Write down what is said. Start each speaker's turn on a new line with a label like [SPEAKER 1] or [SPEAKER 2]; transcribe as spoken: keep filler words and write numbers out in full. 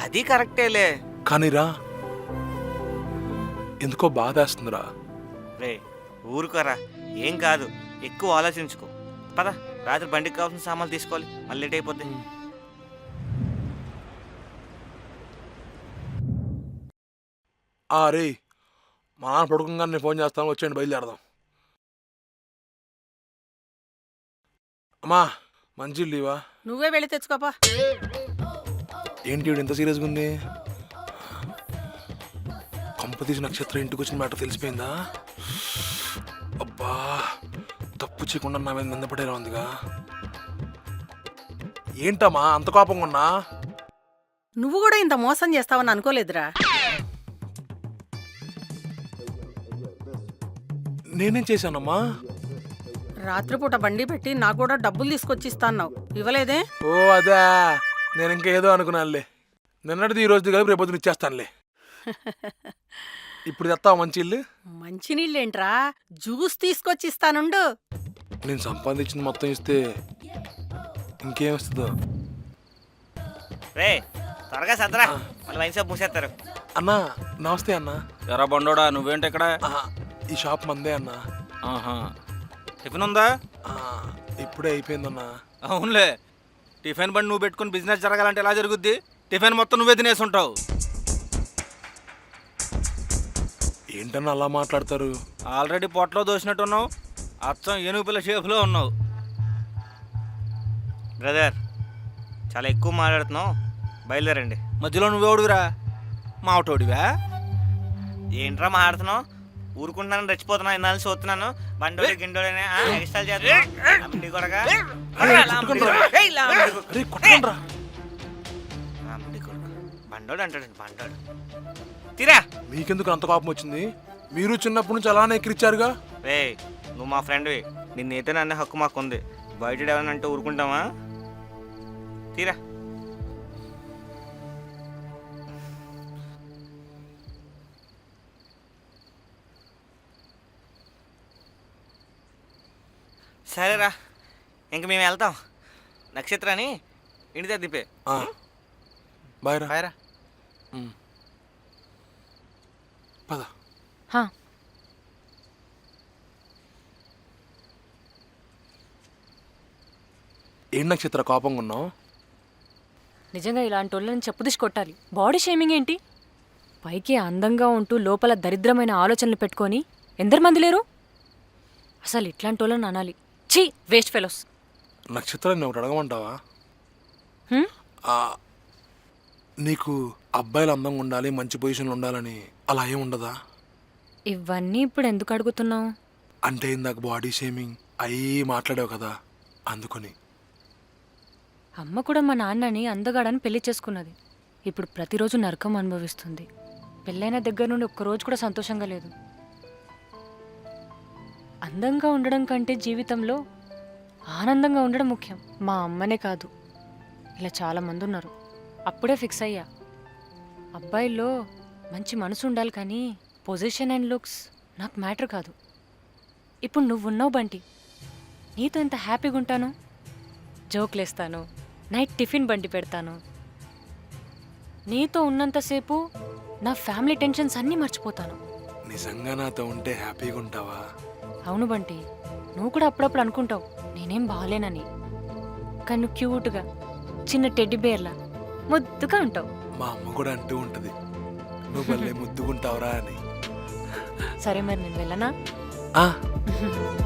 [SPEAKER 1] అది కరెక్టేలే.
[SPEAKER 2] కానీరా ఎందుకో బాధేస్తుందిరా.
[SPEAKER 1] రే ఊరుకోరా, ఏం కాదు, ఎక్కువ ఆలోచించుకో. పద, రాత్రి బండికి కావాల్సిన సామాన్లు తీసుకోవాలి, మళ్ళీ లేట్ అయిపోద్ది.
[SPEAKER 2] రే మా నాన్న పడుకుంగానే నేను ఫోన్ చేస్తాను, వచ్చేయండి బయలుదేరదాం. అమ్మా మంచి లీవా?
[SPEAKER 3] నువ్వే వెళ్ళి తెచ్చుకోపా.
[SPEAKER 2] ఏంటి వీడు ఇంత సీరియస్గా ఉంది? కంపతీసి నక్షత్రం ఇంటికి వచ్చిన మ్యాటర్ తెలిసిపోయిందా? అబ్బా తప్పు చేయకుండా నా మీద నిందపడేలా ఉందిగా. ఏంటమ్మా అంత కోపంగా ఉన్నా?
[SPEAKER 3] నువ్వు కూడా ఇంత మోసం చేస్తావని అనుకోలేదురా.
[SPEAKER 2] నేనేం చేశానమ్మా?
[SPEAKER 3] రాత్రిపూట బండి పెట్టి నాకు కూడా డబ్బులు తీసుకొచ్చి ఇస్తాన్నావు, ఇవ్వలేదే?
[SPEAKER 2] ఓ అదా, నేను ఇంకా ఏదో అనుకున్నానులే. నిన్నటిది ఈ రోజు కలిపి రేపొద్దున ఇచ్చేస్తానులే. ఇప్పుడు తెస్తావా మంచి ఇల్లు?
[SPEAKER 3] మంచినీళ్ళేంట్రా, జ్యూస్ తీసుకొచ్చి ఇస్తానుండు.
[SPEAKER 2] నేను సంపాదించింది మొత్తం ఇస్తే ఇంకేం వస్తుందో.
[SPEAKER 1] రే త్వరగా సదరా, మళ్ళీ వైన్ షాప్ మూసేస్తారు.
[SPEAKER 2] అన్నా నమస్తే అన్నా.
[SPEAKER 4] ఎరా బండోడా, నువ్వేంటి ఇక్కడ?
[SPEAKER 2] ఈ షాప్ మందే అన్నా.
[SPEAKER 4] ఆహా, టిఫిన్ ఉందా?
[SPEAKER 2] ఇప్పుడే అయిపోయిందన్నా.
[SPEAKER 4] అవునులే, టిఫిన్ బండి నువ్వు పెట్టుకుని బిజినెస్ జరగాలంటే ఎలా జరుగుద్ది? టిఫిన్ మొత్తం నువ్వే తినేసి ఉంటావు.
[SPEAKER 2] ఏంటన్నా అలా మాట్లాడతారు?
[SPEAKER 4] ఆల్రెడీ పొట్టలో దోసినట్టున్నావు, అచ్చం ఏనుగు పిల్ల షేపులో ఉన్నావు.
[SPEAKER 1] బ్రదర్ చాలా ఎక్కువ మాట్లాడుతున్నావు, బయలుదేరండి.
[SPEAKER 4] మధ్యలో నువ్వెవడుగురా? మావటోడివా?
[SPEAKER 1] ఏంట్రా మాట్లాడుతున్నావు? ఊరుకుంటున్నాను, రెచ్చిపోతున్నాను, ఇన్నాళ్ళు చూస్తున్నాను. బండోడి గిండోడనే ఎక్స్ట్రా చేస్తున్నావు కొడగా. బండోడు అంటాడు, బండోడు తీరా.
[SPEAKER 2] మీకెందుకు అంత కోపం వచ్చింది? మీరు చిన్నప్పటి నుంచి అలానే ఎక్కిరిచ్చారుగా.
[SPEAKER 1] రే నువ్వు మా ఫ్రెండ్వి, నిన్నైతే నన్ను హక్కు మాకుంది. బయట ఎవరైనా అంటే ఊరుకుంటావా? తీరా. సరేరా, ఇంక మేము వెళ్తాం. నక్షత్రాన్ని ఇంటి దగ్గర దింపే.
[SPEAKER 2] బాయ్ రా.
[SPEAKER 4] బాయ్ రా.
[SPEAKER 2] పద. ఏం నక్షత్ర కోపంగా ఉన్నావు?
[SPEAKER 5] నిజంగా ఇలాంటి వాళ్ళని చెప్పుదిసి కొట్టాలి. బాడీ షేమింగ్ ఏంటి? పైకి అందంగా ఉంటూ లోపల దరిద్రమైన ఆలోచనలు పెట్టుకొని ఎందరు మంది లేరు? అసలు ఇట్లాంటి వాళ్ళని అనాలి. ఛీ, వేస్ట్ ఫెలోస్.
[SPEAKER 2] నక్షత్రం నువ్వు అడగమంటావా? నీకు అబ్బాయిలు అందంగా ఉండాలి, మంచి పొజిషన్లో ఉండాలని అలా ఏం ఉండదా?
[SPEAKER 5] ఇవన్నీ ఇప్పుడు ఎందుకు అడుగుతున్నావు?
[SPEAKER 2] అంటే ఇందాక బాడీ షేమింగ్ అయ్యి మాట్లాడావు కదా, అందుకని.
[SPEAKER 5] అమ్మ కూడా మా నాన్నని అందగాడని పెళ్లి చేసుకున్నది. ఇప్పుడు ప్రతిరోజు నరకం అనుభవిస్తుంది. పెళ్ళైన దగ్గర నుండి ఒక్కరోజు కూడా సంతోషంగా లేదు. అందంగా ఉండడం కంటే జీవితంలో ఆనందంగా ఉండడం ముఖ్యం. మా అమ్మనే కాదు, ఇలా చాలామంది ఉన్నారు. అప్పుడే ఫిక్స్ అయ్యా, అబ్బాయిల్లో మంచి మనసు ఉండాలి కానీ పొజిషన్ అండ్ లుక్స్ నాకు మ్యాటర్ కాదు. ఇప్పుడు నువ్వున్నావు బంటి, నీతో ఎంత హ్యాపీగా ఉంటాను. జోక్లేస్తాను, నైట్ టిఫిన్ బండి పెడతాను. నీతో ఉన్నంతసేపు నా ఫ్యామిలీ టెన్షన్స్ అన్నీ మర్చిపోతాను.
[SPEAKER 2] నిజంగా నాతో ఉంటే హ్యాపీగా ఉంటావా?
[SPEAKER 5] అవును బంటి, నువ్వు కూడా అప్పుడప్పుడు అనుకుంటావు నేనేం బాగాలేనని, కానీ నువ్వు క్యూట్గా చిన్న టెడ్డీ బేర్లా ముద్దుగా ఉంటావు.
[SPEAKER 2] మా అమ్మ కూడా అంటూ ఉంటది, నువ్వు భలే ముద్దుకుంటావురా అని.
[SPEAKER 5] సరే మరి నేను వెళ్ళనా?